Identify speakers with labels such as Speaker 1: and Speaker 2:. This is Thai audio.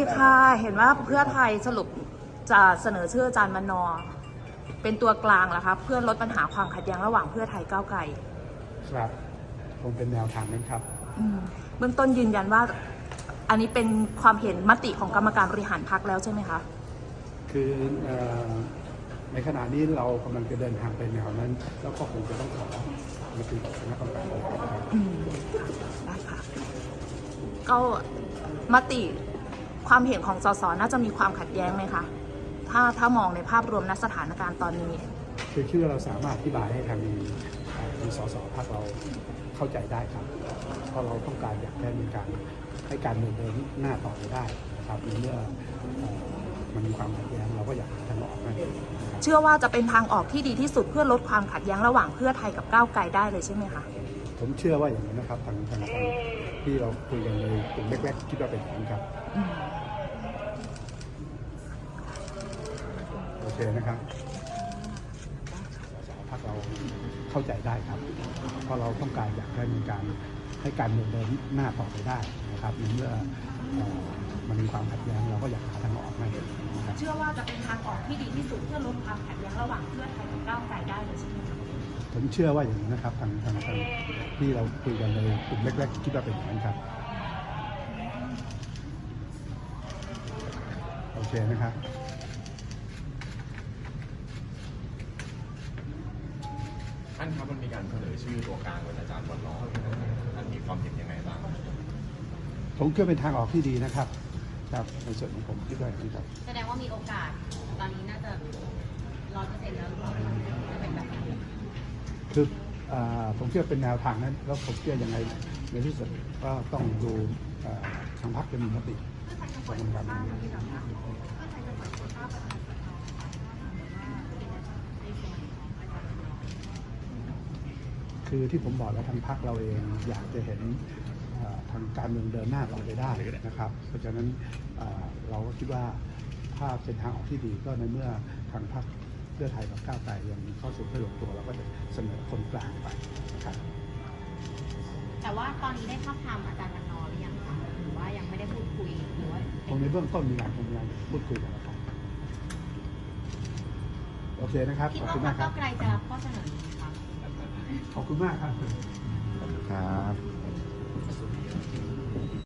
Speaker 1: ค่ะเห็นว่าเพื่อไทยสรุปจะเสนอชื่ออาจารย์มนเป็นตัวกลางแล้วคะเพื่อลดปัญหาความขัดแย้งระหว่างเพื่อไทยก้าวไกล
Speaker 2: ครับคงเป็นแนวทางนั้นครับ
Speaker 1: เบื้องต้นยืนยันว่าอันนี้เป็นความเห็นมติของกรรมการบริหารพรรคแล้วใช่ไหมคะ
Speaker 2: คือในขณะนี้เรากำลังจะเดินทางไปแนวนั้นแล้วก็คงจะต้องขอมติของคณะกรรมการบริหารครับ
Speaker 1: ได้ค่ะก็มติความเห็นของสสน่าจะมีความขัดแย้งไหมคะถ้ามองในภาพรวมณสถานการณ์ตอนนี้
Speaker 2: คือคิดว่าเราสามารถอธิบายให้ทางสสพรรคเราเข้าใจได้ครับเพราะเราต้องการอยากให้มีการให้การเมืองเดินหน้าต่อไปได้นะครับเมื่อมันมีความขัดแย้งเราก็อยากหาทางออกให้
Speaker 1: เชื่อว่าจะเป็นทางออกที่ดีที่สุดเพื่อลดความขัดแย้งระหว่างเพื่อไทยกับก้าวไกลได้เลยใช่ไหมคะ
Speaker 2: ผมเชื่อว่าอย่างนั้นนะครับทางที่เราคุยกันในกลุ่มแรกๆคิดว่าเป็นอย่างนั้นครับโอเคนะครับพรรคเราเข้าใจได้ครับเพราะเราต้องการอยากให้มีการให้การเมืองเดินหน้าต่อไปได้นะครับเมื่อมันมีความขัดแย้งเราก็อยากหาทางออกให้นะครับ
Speaker 1: เชื่อว่าจะเป็นทางออกที่ดีที่สุดเพื่อลดความขัดแย้งระหว่างเพื่อไทยกับก้าวไกลได้เลยใช่ไหมคะ
Speaker 2: ผมเชื่อว่าอย่างนั้นนะครับทางที่เราคุยกันในกลุ่มแรกๆคิดว่าเป็นอย่างนั้นครับโอเคนะครับ
Speaker 3: ท่านครับมันมีการเสนอชื่อตัวกลางเป็นอาจารย์วันล้อท่านมีความเห็นยังไงบ้าง
Speaker 2: ผมคิดว่าเป็นทางออกที่ดีนะครับครับในส่วนของผมคิดว่าอย่างนี้ครับ
Speaker 4: แสดงว่ามีโอกาสตอนนี้น่าจะ100%แล้วจะเป็นแบบนี้
Speaker 2: คือผมเชื่อเป็นแนวทางนั้นแล้วผมเชื่อยังไงในที่สุดก็ต้องดูทางพรรคจะมีมติของกรรมการคือที่ผมบอกแล้วทางพรรคเราเองอยากจะเห็นทางการเมืองเดินหน้าต่อไปได้นะครับเพราะฉะนั้นเราก็คิดว่าถ้าเป็นทางออกที่ดีก็ในเมื่อทางพรรคเพื่อไทยกับก้าวไกลยังเข้าสู่ไม่ลงตัวเราก็จะเสนอคนกลางไปนะครับ
Speaker 4: แต่ว่าตอนนี้ได้ทับทามอาจารย์วันนอหรือยังคะหรือว่ายังไม่ได้พูดคุยหรือว่า
Speaker 2: คงในเบื้องต้นมีการพูดคุยกันแล้วครับโอเคนะครับ
Speaker 4: ขอบคุณมากครับก้าวไกลจะรับข้อเสนอนี้ครับ
Speaker 2: ขอบคุณมากครับ
Speaker 3: ครับ